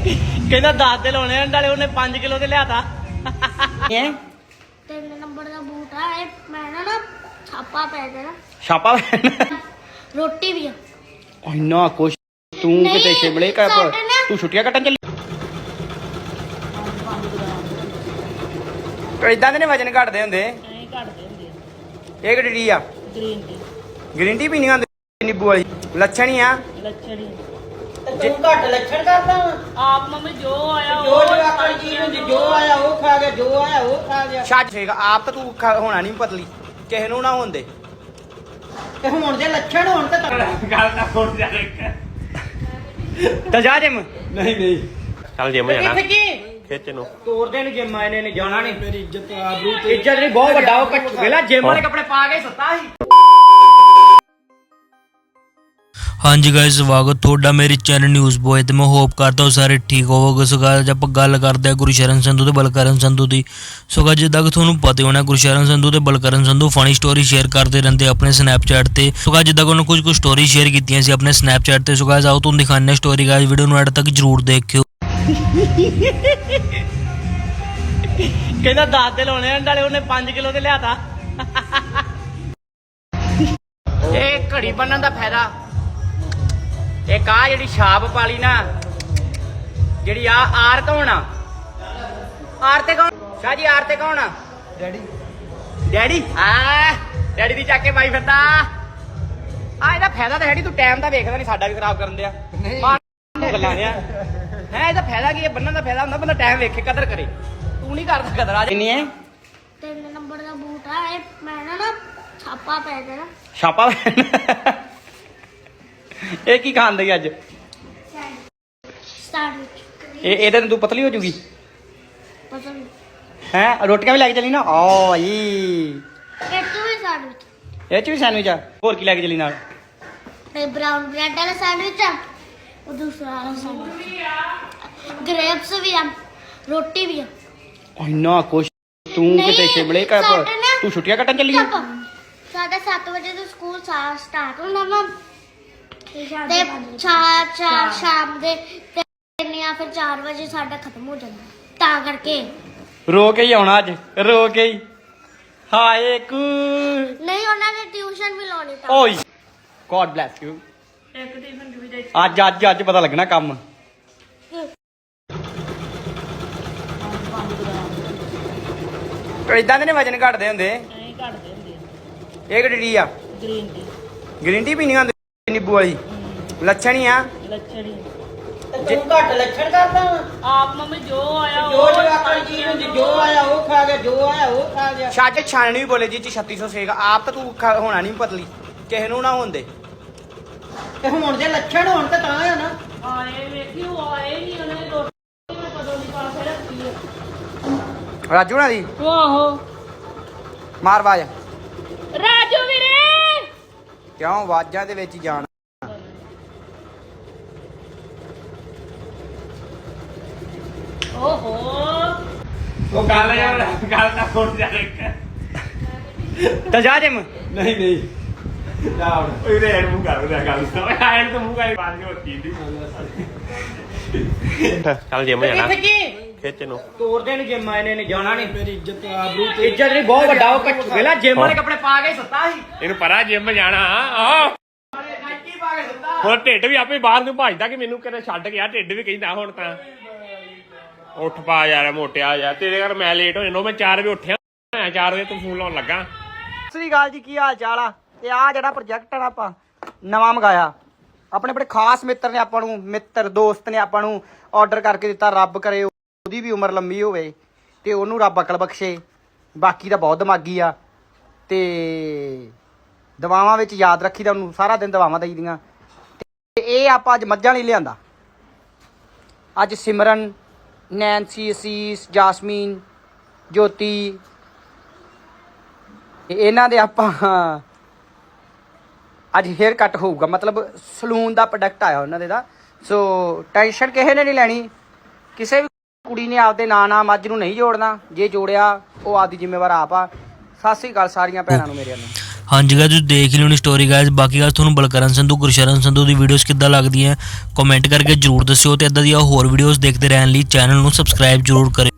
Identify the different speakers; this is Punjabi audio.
Speaker 1: ਕਹਿੰਦਾ 10 ਦੇ ਲਾਉਣੇ ਨਾਲੇ ਉਹਨੇ 5 ਕਿਲੋ ਦੇ ਲਿਆਤਾ।
Speaker 2: 3 ਨੰਬਰ ਦਾ ਬੂਟ ਆ ਇਹ। ਮੈਂ ਨਾ ਛਾਪਾ ਪੈ ਜਾਣਾ।
Speaker 1: ਛਾਪਾ
Speaker 2: ਰੋਟੀ ਵੀ ਆ
Speaker 1: ਇੰਨਾ ਕੁਛ ਤੂੰ ਕਿਤੇ ਸ਼ਿਮਲੇ ਕਰ ਤੂੰ ਛੁੱਟੀਆਂ ਕੱਟਣ ਚੱਲੀ। ਇਦਾਂ ਦੇ ਨੇ ਵਜਨ ਘਟਦੇ ਹੁੰਦੇ। ਇਹ ਕਿਹੜੀ ਆ? ਗ੍ਰੀਨ ਟੀ ਪੀਣੀ ਹੁੰਦੀ ਨਿੰਬੂ ਵਾਲੀ। ਲੱਛਣ ਹੀ ਆ।
Speaker 3: ਤੂੰ ਘੱਟ ਲੱਛਣ ਕਰਦਾ
Speaker 1: ਆਪ ਮੰਮੀ ਜੋ ਆਇਆ
Speaker 3: ਜੋ ਜਵਾਕਾਂ ਦੀ ਚੀਜ਼ ਹੁੰਦੀ, ਜੋ ਆਇਆ ਉਹ ਖਾ ਗਿਆ, ਜੋ ਆਇਆ ਉਹ ਖਾ ਗਿਆ।
Speaker 1: ਛੱਡ ਛੇਗਾ ਆਪ ਤਾਂ ਤੂੰ ਹੋਣਾ ਨਹੀਂ ਪਤਲੀ, ਕਿਸੇ ਨੂੰ ਨਾ ਹੁੰਦੇ।
Speaker 3: ਤੇ ਹੁਣ ਜੇ ਲੱਛਣ ਹੋਣ ਤੇ
Speaker 4: ਗੱਲ ਤਾਂ ਹੁਣ ਜਾ
Speaker 1: ਤਾਂ ਜਾ ਜਿਮ।
Speaker 4: ਨਹੀਂ ਚੱਲ ਜਿਮ ਜਾਣਾ
Speaker 3: ਕਿੱਥੇ ਕੀ
Speaker 4: ਖਿੱਚ ਨੂੰ
Speaker 1: ਤੋਰਦੇ ਨੇ ਜਿਮ ਆਏ ਨੇ ਜਾਣਾ ਨਹੀਂ। ਮੇਰੀ ਇੱਜ਼ਤ ਆਬਰੂ ਤੇ ਇੱਜ਼ਤ ਨਹੀਂ ਬਹੁਤ ਵੱਡਾ ਉਹ ਵੇਲਾ ਜਿਮ ਵਾਲੇ ਕੱਪੜੇ ਪਾ ਕੇ ਸੁੱਤਾ ਸੀ।
Speaker 5: ਹਾਂਜੀ ਗਾਇਸ, ਸਵਾਗਤ ਤੁਹਾਡਾ ਮੇਰੇ ਚੈਨਲ ਨਿਊਜ਼ ਬੋਏ ਤੇ ਮੈਂ ਹੋਪ ਕਰਦਾ ਹਾਂ ਸਾਰੇ ਠੀਕ ਹੋਵੋਗੇ। ਸੋ ਗਾਇਸ ਆਪਾਂ ਗੱਲ ਕਰਦੇ ਹਾਂ ਗੁਰਸ਼ਰਨ ਸੰਧੂ ਤੇ ਬਲਕਰਨ ਸੰਧੂ ਦੀ। ਸੋ ਗਾਇਸ ਜਿੱਦਾਂ ਕਿ ਤੁਹਾਨੂੰ ਪਤਾ ਹੋਣਾ ਗੁਰਸ਼ਰਨ ਸੰਧੂ ਤੇ Balkaran Sandhu funny story share ਕਰਦੇ ਰਹਿੰਦੇ ਆਪਣੇ ਸਨੈਪਚੈਟ ਤੇ। ਸੋ ਗਾਇਸ ਜਿੱਦਾਂ ਕਿ ਉਹਨਾਂ ਕੁਝ ਸਟੋਰੀ ਸ਼ੇਅਰ ਕੀਤੀਆਂ ਸੀ ਆਪਣੇ ਸਨੈਪਚੈਟ ਤੇ। ਸੋ ਗਾਇਸ ਆਓ ਤੁਹਾਨੂੰ ਦਿਖਾਉਂਦੇ ਹਾਂ ਸਟੋਰੀ। ਗਾਇਸ ਵੀਡੀਓ ਨੂੰ ਐਡ ਤੱਕ ਜਰੂਰ ਦੇਖਿਓ।
Speaker 1: ਕਹਿੰਦਾ 10 ਦੇ ਲਾਉਣੇ ਨਾਲੇ ਉਹਨੇ 5 ਕਿਲੋ ਦੇ ਲਿਆਤਾ। ਇਹ ਘੜੀ ਬੰਨਣ ਦਾ ਫਾਇਦਾ ਇੱਕ ਆ ਜਿਹੜੀ ਛਾਪ ਪਾਲੀ ਨਾ, ਜਿਹੜੀ ਆ ਆਰ ਕੌਣ ਆ? ਆਰ ਤੇ ਕੌਣ? ਸ਼ਾਹ ਜੀ ਆਰ ਤੇ ਕੌਣ ਆ? ਡੈਡੀ। ਡੈਡੀ ਡੈਡੀ ਦੀ ਚੱਕ ਕੇ ਪਾਈ ਫਿਰਦਾ ਆ। ਇਹਦਾ ਫਾਇਦਾ ਤਾਂ ਹੈ ਤੂੰ ਟਾਈਮ ਤਾਂ ਵੇਖਦਾ ਨਹੀਂ, ਸਾਡਾ ਵੀ ਖਰਾਬ ਕਰਨ ਦਿਆ ਗੱਲਾਂ ਨੇ। ਹੈ ਇਹਦਾ ਫਾਇਦਾ ਕੀ ਹੈ? ਬੰਨਣ ਦਾ ਫਾਇਦਾ ਹੁੰਦਾ ਬੰਦਾ ਟਾਈਮ ਵੇਖੇ, ਕਦਰ ਕਰੇ। ਤੂੰ ਨਹੀਂ ਕਰਦਾ ਕਦਰ। ਅੱਜ ਕਿੰਨੀ ਹੈ?
Speaker 2: 3 ਨੰਬਰ ਦਾ ਬੂਟ ਆ ਇਹ। ਮੈਂ ਨਾ ਛਾਪਾ ਪੈ ਜਾਣਾ।
Speaker 1: ਛਾਪਾ ਇਹ ਕੀ ਖਾਂਦੇ ਅੱਜ?
Speaker 2: ਸੈਂਡਵਿਚ।
Speaker 1: ਇਹਦੇ ਨਾਲ ਤੂੰ ਪਤਲੀ ਹੋ ਜੂਗੀ
Speaker 2: ਪਸੰਦ
Speaker 1: ਹੈ। ਰੋਟੀਆਂ ਵੀ ਲੈ ਕੇ ਚੱਲੀ ਨਾ। ਓ ਜੀ
Speaker 2: ਕਿੱਥੇ ਵੀ ਸੈਂਡਵਿਚ।
Speaker 1: ਇਹ ਚ ਵੀ ਸੈਂਡਵਿਚ ਆ। ਹੋਰ ਕੀ ਲੈ ਕੇ ਚੱਲੀ ਨਾਲ?
Speaker 2: ਇਹ ਬ੍ਰਾਊਨ ਬ੍ਰੈਡ ਵਾਲਾ ਸੈਂਡਵਿਚ ਆ। ਉਹ ਦੂਸਰਾ ਵਾਲਾ ਸੈਂਡਵਿਚ। ਗ੍ਰੇਪਸ ਵੀ ਆ, ਰੋਟੀ ਵੀ ਆ।
Speaker 1: ਇੰਨਾ ਕੁਛ ਤੂੰ ਕਿਤੇ ਸ਼ਿਮਲੇ ਕਰ ਤੂੰ ਛੁੱਟੀਆਂ ਕੱਟਣ ਚੱਲੀ।
Speaker 2: ਸਾਡਾ 7 ਵਜੇ ਤੋਂ ਸਕੂਲ ਸਟਾਰਟ ਹੋਣਾ ਵਾ ਤੇ ਸ਼ਾਮ ਦੇ 3 ਜਾਂ ਫਿਰ 4 ਵਜੇ ਸਾਡਾ ਖਤਮ ਹੋ ਜਾਂਦਾ, ਤਾਂ ਕਰਕੇ
Speaker 1: ਰੋ ਕੇ ਹੀ ਆਉਣਾ ਅੱਜ, ਰੋ ਕੇ ਹੀ। ਹਾਏ ਕੂ
Speaker 2: ਨਹੀਂ, ਉਹਨਾਂ ਨੇ ਟਿਊਸ਼ਨ ਵੀ ਲਾਉਣੀ ਤਾਂ।
Speaker 1: ਓਏ ਗੋਡ ਬlesਸ ਯੂ। ਅੱਜ ਪਤਾ ਲੱਗਣਾ ਕੰਮ। ਇਦਾਂ ਦੇ ਨੇ ਵਜਨ ਘਟਦੇ ਹੁੰਦੇ। ਇਹ ਕਿਹੜੀ ਆ? ਗ੍ਰੀਨ ਟੀ ਪੀਣੀ ਹੁੰਦੀ ਨਿੰਬੂ ਵਾਲੀ। ਲੱਛਣ ਹੀ ਆ।
Speaker 3: ਤੇ ਤੂੰ ਘੱਟ ਲੱਛਣ ਕਰਦਾ
Speaker 1: ਆਪ ਮੰਮੀ ਜੋ ਆਇਆ
Speaker 3: ਜੋ ਜਵਾਕਾਂ ਦੀ ਚੀਜ਼ ਹੁੰਦੀ, ਜੋ ਆਇਆ ਉਹ ਖਾ ਗਿਆ, ਜੋ ਆਇਆ ਉਹ ਖਾ ਗਿਆ।
Speaker 1: ਛੱਡ ਛਾਣਨੀ ਵੀ ਬੋਲੇ ਜੀ 3600 ਸੇਗਾ ਆਪ ਤਾਂ ਤੂੰ ਹੋਣਾ ਨਹੀਂ ਪਤਲੀ, ਕਿਸੇ ਨੂੰ ਨਾ ਹੁੰਦੇ।
Speaker 3: ਤੇ ਹੁਣ ਜੇ ਲੱਛਣ ਹੋਣ ਤੇ ਤਾਂ ਆ ਨਾ।
Speaker 1: ਆਏ ਵੇਖੀ ਉਹ ਆਏ ਨਹੀਂ, ਉਹਨੇ ਰੋਟੀ ਮੈਂ ਕਦੋਂ ਦੀ ਪਾ ਕੇ ਰੱਖੀ ਹੈ। ਰਾਜੂ ਨਾ ਦੀ
Speaker 2: ਆਹੋ
Speaker 1: ਮਾਰ ਬਾਜ।
Speaker 2: ਰਾਜੂ ਵੀਰੇ
Speaker 1: ਕਿਉਂ ਆਵਾਜ਼ਾਂ ਦੇ ਵਿੱਚ ਜਾਣ?
Speaker 2: ਓਹੋ
Speaker 4: ਉਹ ਗੱਲ ਤਾਂ ਹੁਣ ਜਾ
Speaker 1: ਤਾਂ ਜਾ ਜਿਮ।
Speaker 4: ਨਹੀਂ ਜਾ ਹੁਣ ਉਹਦੇ ਐਡ ਮੂੰਹ ਕਰ ਰਿਹਾ ਗੱਲ ਐਡ ਤੋਂ ਮੂੰਹ ਕਰ ਬਾਅਦ ਵਿੱਚ ਕੀ ਦੀ ਚੱਲ ਜਿਮ ਜਾਣਾ
Speaker 3: ਕਿੱਥੇ ਕੀ
Speaker 4: ਖਿੱਚ ਨੂੰ
Speaker 1: ਤੋਰਦੇ ਨੇ ਜਿਮ ਆਏ ਨੇ ਜਾਣਾ ਨਹੀਂ। ਮੇਰੀ ਇੱਜ਼ਤ ਆਬਰੂ ਤੇ ਇੱਜ਼ਤ ਨਹੀਂ ਬਹੁਤ ਵੱਡਾ ਉਹ ਵੇਲਾ ਜਿਮ ਵਾਲੇ ਕੱਪੜੇ ਪਾ ਕੇ ਸੁੱਤਾ ਸੀ।
Speaker 4: ਇਹਨੂੰ ਪਰਾ ਜਿਮ ਜਾਣਾ ਆ। ਹੁਣ ਢਿੱਡ ਵੀ ਆਪੇ ਬਾਹਰ ਨੂੰ ਭੱਜਦਾ ਕਿ ਮੈਨੂੰ ਕਿਤੇ ਛੱਡ ਗਿਆ। ਢਿੱਡ ਵੀ ਕਹਿੰਦਾ ਹੁਣ ਤਾਂ ਉੱਠ ਪਾ ਯਾਰ ਮੋਟਿਆ ਯਾਰ, ਤੇਰੇ ਘਰ ਮੈਂ ਲੇਟ ਹੋ ਜਾਣਾ। ਮੈਂ 4 ਵਜੇ ਉੱਠਿਆ, 4 ਵਜੇ ਤੂੰ ਫੋਨ ਲਾਉਣ ਲੱਗਾ।
Speaker 1: ਸਤਿ ਸ੍ਰੀ ਅਕਾਲ ਜੀ, ਕੀ ਹਾਲ ਚਾਲ ਆ? ਤੇ ਆ ਜਿਹੜਾ ਪ੍ਰੋਜੈਕਟ ਆ ਆਪਾਂ ਨਵਾਂ ਮੰਗਾਇਆ, ਆਪਣੇ ਬੜੇ ਖਾਸ ਮਿੱਤਰ ਨੇ ਆਪਾਂ ਨੂੰ, ਮਿੱਤਰ ਦੋਸਤ ਨੇ ਆਪਾਂ ਨੂੰ ਆਰਡਰ ਕਰਕੇ ਦਿੱਤਾ। ਰੱਬ ਕਰੇ ਉਹਦੀ ਵੀ ਉਮਰ ਲੰਮੀ ਹੋਵੇ ਤੇ ਉਹਨੂੰ ਰੱਬ ਅਕਲ ਬਖਸ਼ੇ। ਬਾਕੀ ਤਾਂ ਬਹੁਤ ਦਿਮਾਗੀ ਆ ਤੇ ਦਵਾਵਾਂ ਵਿੱਚ ਯਾਦ ਰੱਖੀ ਦਾ ਉਹਨੂੰ, ਸਾਰਾ ਦਿਨ ਦਵਾਵਾਂ ਦਈਦੀਆਂ। ਤੇ ਇਹ ਆਪਾਂ ਅੱਜ ਮੱਝਾਂ ਲਈ ਲਿਆਂਦਾ। ਅੱਜ ਸਿਮਰਨ, ਨੈਂਸੀ, ਅਸੀਸ, ਜਾਸਮੀਨ, ਜੋਤੀ, ਇਹਨਾਂ ਦੇ ਆਪਾਂ ਅੱਜ ਹੇਅਰ ਕੱਟ ਹੋਊਗਾ। ਮਤਲਬ ਸਲੂਨ ਦਾ ਪ੍ਰੋਡਕਟ ਆਇਆ ਉਹਨਾਂ ਦੇ ਦਾ। ਸੋ ਟੈਨਸ਼ਨ ਕਿਸੇ ਨੇ ਨਹੀਂ ਲੈਣੀ। ਕਿਸੇ ਵੀ ਕੁੜੀ ਨੇ ਆਪਦੇ ਨਾਂ ਮੱਝ ਨੂੰ ਨਹੀਂ ਜੋੜਨਾ। ਜੇ ਜੋੜਿਆ ਉਹ ਆਪਦੀ ਜ਼ਿੰਮੇਵਾਰ ਆਪ ਆ। ਸਤਿ ਸ੍ਰੀ ਅਕਾਲ ਸਾਰੀਆਂ ਭੈਣਾਂ ਨੂੰ ਮੇਰੇ ਵੱਲੋਂ।
Speaker 5: ਹਾਂਜੀ ਗਾਇਸ ਤੁਸੀਂ ਦੇਖ ਹੀ ਲਿਓਣੀ ਸਟੋਰੀ ਗਾਇਸ। ਬਾਕੀ ਗੱਲ ਤੁਹਾਨੂੰ ਬਲਕਰਨ ਸੰਧੂ ਗੁਰਸ਼ਰਨ ਸੰਧੂ ਦੀ ਵੀਡੀਓਜ਼ ਕਿੱਦਾਂ ਲੱਗਦੀਆਂ ਕਮੈਂਟ ਕਰਕੇ ਜਰੂਰ ਦੱਸਿਓ ਤੇ ਇਦਾਂ ਦੀਆਂ ਹੋਰ ਵੀਡੀਓਜ਼ ਦੇਖਦੇ ਰਹਿਣ ਲਈ ਚੈਨਲ ਨੂੰ ਸਬਸਕ੍ਰਾਈਬ ਜਰੂਰ ਕਰਿਓ।